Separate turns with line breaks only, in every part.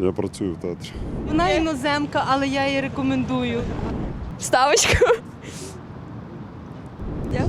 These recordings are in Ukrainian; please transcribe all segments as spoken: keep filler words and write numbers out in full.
Я працюю в театрі.
Вона іноземка, але я її рекомендую.
Ставочку. Я?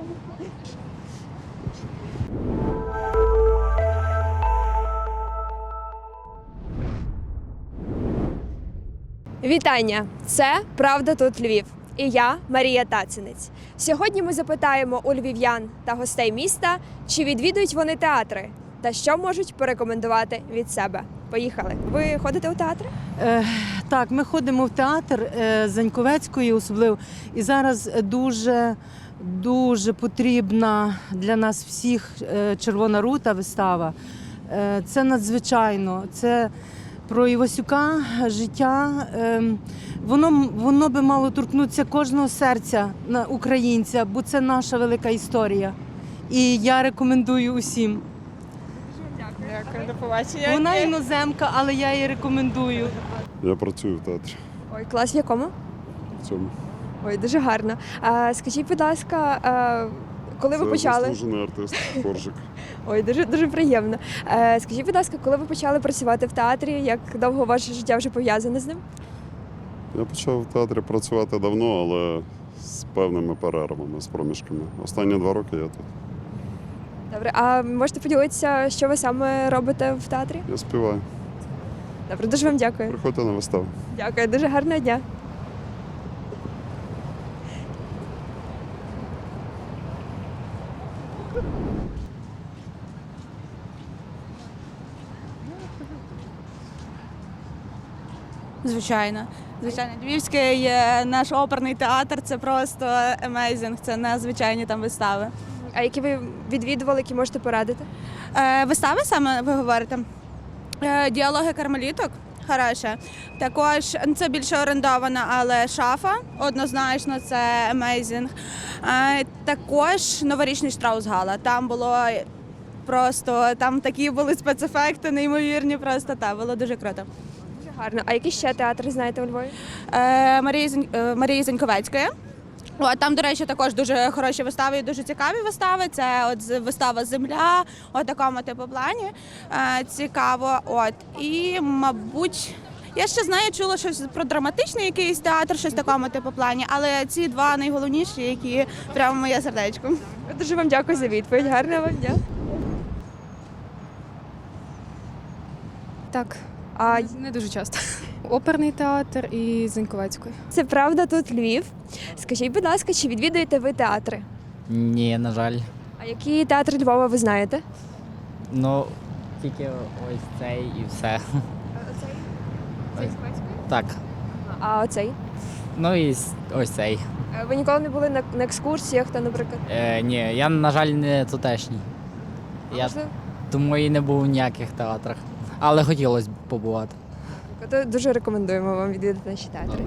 Вітання! Це «Правда тут Львів» і я, Марія Тацинець. Сьогодні ми запитаємо у львів'ян та гостей міста, чи відвідують вони театри та що можуть порекомендувати від себе. Поїхали! Ви ходите у театри?
Е, так, ми ходимо в театр е, Заньковецької особливо. І зараз дуже, дуже потрібна для нас всіх е, «Червона рута» вистава. Е, це надзвичайно. Це про Івасюка, життя. Е, воно, воно би мало торкнутися кожного серця на українця, бо це наша велика історія. І я рекомендую усім.
Дякую, до побачення.
Вона іноземка, але я її рекомендую.
Я працюю в театрі.
Ой, клас в якому?
В цьому.
Ой, дуже гарно. А, скажіть, будь ласка, а, коли ви
Це
почали?
заслужений артист Коржик.
Ой, дуже дуже приємно. А, скажіть, будь ласка, коли ви почали працювати в театрі? Як довго ваше життя вже пов'язане з ним?
Я почав в театрі працювати давно, але з певними перервами, з проміжками. Останні два роки я тут.
Добре, а можете поділитися, що ви саме робите в театрі?
Я співаю.
Добре, дуже вам дякую.
Приходьте на виставу.
Дякую, дуже гарного дня.
Звичайно. Звичайно, Львівський е, наш оперний театр це просто amazing, це надзвичайні там вистави.
А які ви відвідували, які можете порадити?
Е, вистави саме ви говорите? Е, діалоги кармеліток. Хороше. Також ну, це більше орендована, але шафа однозначно це amazing. Е, також новорічний Штраус-Гала. Там було просто там такі були спецефекти, неймовірні. Просто та було дуже круто.
Дуже гарно. А які ще театри знаєте у Львові?
Е, Марії, Зінь- е, Марії Заньковецької. От, там, до речі, також дуже хороші вистави і дуже цікаві вистави. Це от з- вистава «Земля», от такому типу плані. Е, цікаво. От. І, мабуть, я ще знаю, чула щось про драматичний якийсь театр, щось в такому типу плані, але ці два найголовніші, які прямо моє сердечко.
Дуже вам дякую за відповідь. Гарного вам дня. Так. А
Не дуже часто. Оперний театр і Заньковецької.
це правда тут Львів. Скажіть, будь ласка, чи відвідуєте ви театри?
Ні, на жаль.
А які театри Львова ви знаєте?
Ну, тільки ось цей і все.
Цей?
Так.
А оцей?
Ну і с- ось цей.
Е, Ви ніколи не були на, на екскурсіях, та, наприклад?
Е, ні, я, на жаль, не тутешній. Я
Можливо?
тому і не був у ніяких театрах. Але хотілося б побувати.
То дуже рекомендуємо вам відвідати наші театри.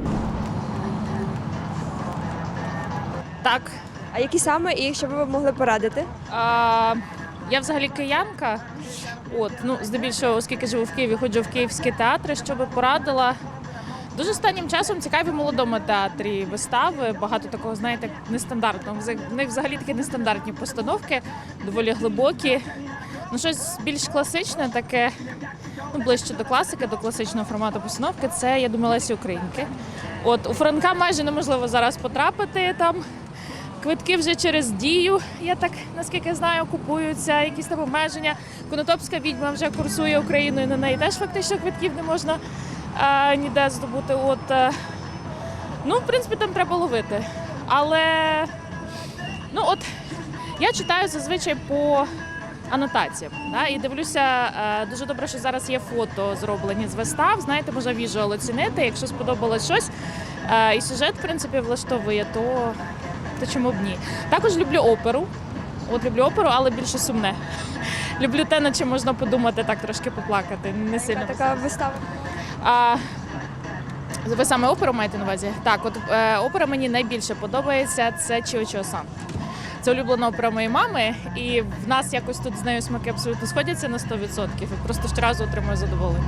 Так,
А які саме і що б ви могли порадити?
а, я взагалі киянка. От, ну, здебільшого, оскільки живу в Києві, ходжу в київські театри, що би порадила. Дуже останнім часом цікаві в молодому театрі вистави. Багато такого, знаєте, нестандартного. В них взагалі такі нестандартні постановки, доволі глибокі. Ну, щось більш класичне, таке, ну, ближче до класики, до класичного формату постановки. Це, я думаю, Лесі Українки. От, у Франка майже неможливо зараз потрапити там. Квитки вже через Дію, я так, наскільки знаю, купуються, якісь там обмеження. Конотопська відьма вже курсує Україною, на неї теж фактично квитків не можна а, ніде здобути. От, а, ну, в принципі, там треба ловити. Але, ну, от, я читаю зазвичай по анотаціям, да, і дивлюся, а, дуже добре, що зараз є фото зроблені з вистав, знаєте, можна віжуал оцінити, якщо сподобалось щось, а, і сюжет, в принципі, влаштовує, то... то чому б ні. Також люблю оперу. От люблю оперу, але більше сумне. Люблю те, над чим можна подумати, так трошки поплакати. Не сильно.
Така вистава.
А, ви саме оперу маєте на увазі? Так, от е, опера мені найбільше подобається, це Чіо-Чіо-сан. Це улюблена опера моєї мами, і в нас якось тут з нею смаки абсолютно сходяться на сто відсотків. І просто щоразу отримую задоволення.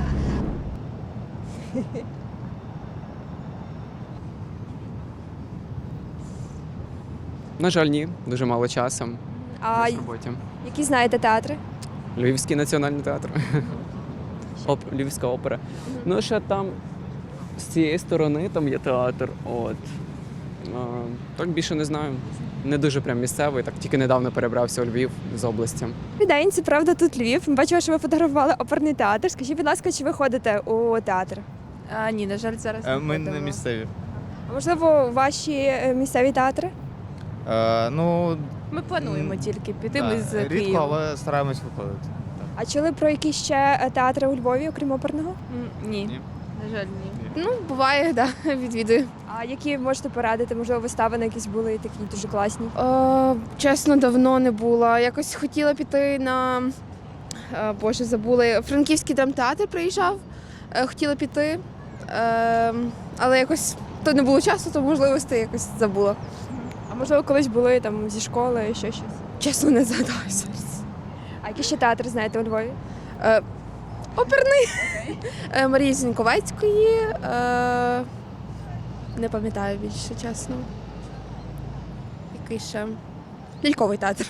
На жаль, ні, дуже мало часу
А
в роботі.
які знаєте театри?
Львівський національний театр. Оп- Львівська опера. Ну, ще там з цієї сторони там є театр. От. А, так більше не знаю. Не дуже прям місцевий, так тільки недавно перебрався у Львів з області.
Добрий день, це правда тут Львів. Ми бачимо, що ви фотографували оперний театр. Скажіть, будь ласка, чи ви ходите у театр?
А, ні, на жаль, зараз не
Ми
ходимо.
не місцеві.
А можливо, ваші е, місцеві театри?
Е, ну,
Ми плануємо тільки піти.
да,
Ми з
рідко,
Києва.
але стараємось виходити.
А чули про які ще е, театри у Львові, окрім оперного?
М, Ні.
Ні.
На жаль, ні.
Ну, буває, да, відвідую.
А які можете порадити? Можливо, вистави на якісь були такі дуже класні?
Е, чесно, давно не була. Якось хотіла піти на е, Боже, забули. Франківський драмтеатр приїжджав. Е, хотіла піти. Е, але якось то не було часу, то можливостей якось забула.
А можливо, колись були там зі школи, ще щось?
Чесно, не згадаю зараз.
А які ще театри знаєте у Львові?
Е, оперний е, Марії Зіньковецької. Е, не пам'ятаю більше, чесно. Який ще? Ляльковий театр.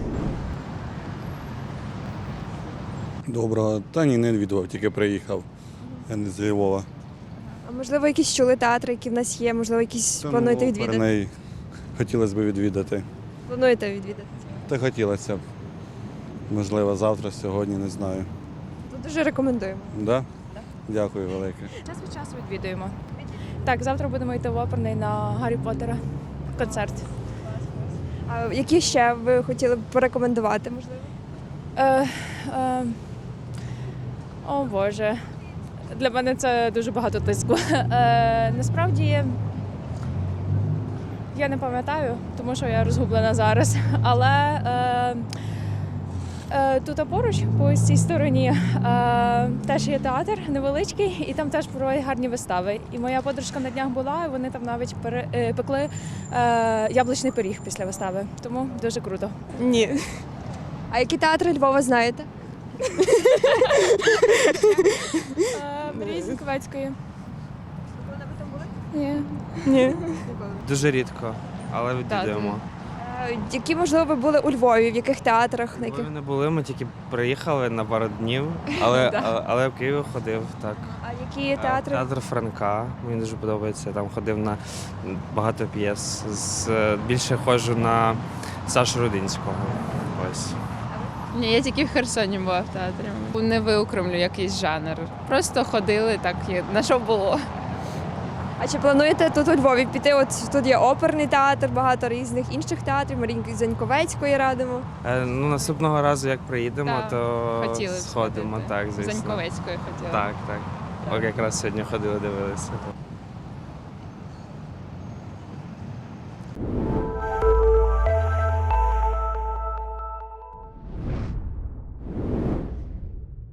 Доброго. Та ні, не відвідував, тільки приїхав. Я не з Львова.
А можливо, якісь чули театри, які в нас є, можливо, якісь
Та,
плануєте
ну,
відвідати?
оперний хотілося б відвідати.
Плануєте відвідати?
Та хотілося б. Можливо, завтра, сьогодні, не знаю.
То дуже рекомендуємо.
Да? Дякую велике.
Час від часу відвідуємо. Так, завтра будемо йти в оперний на Гаррі Поттера концерт.
А які ще ви хотіли б порекомендувати, можливо?
Е, е, о Боже, для мене це дуже багато тиску. Е, насправді я не пам'ятаю, тому що я розгублена зараз. Але е, е, тут поруч, по ось цій стороні, е, теж є театр невеличкий, і там теж проводять гарні вистави. І моя подружка на днях була, і вони там навіть пере, е, пекли е, яблучний пиріг після вистави. Тому дуже круто.
Ні. А які театри Львова знаєте?
Марії Зіньковецької. Ні.
Ні.
Дуже рідко, але відвідуємо.
Які, можливо, ви були у Львові, в яких театрах? На
Яких...
яких?
Ми не були, ми тільки приїхали на пару днів, але, але, але в Києві ходив, так.
А які театри?
Театр Франка, мені дуже подобається, там ходив на багато п'єс. З, більше ходжу на Сашу Рудинського. Ось.
Ні, я тільки в Херсоні була в театрі. Не виокремлю якийсь жанр. Просто ходили так, на що було.
А чи плануєте тут у Львові піти? От тут є оперний театр, багато різних інших театрів, Марії Заньковецької радимо.
Е, ну, наступного разу, як приїдемо,
Так,
то
хотіли б
сходимо,
сходити.
так, звісно.
Заньковецької хотіла.
Так, так. От якраз сьогодні ходили, дивилися.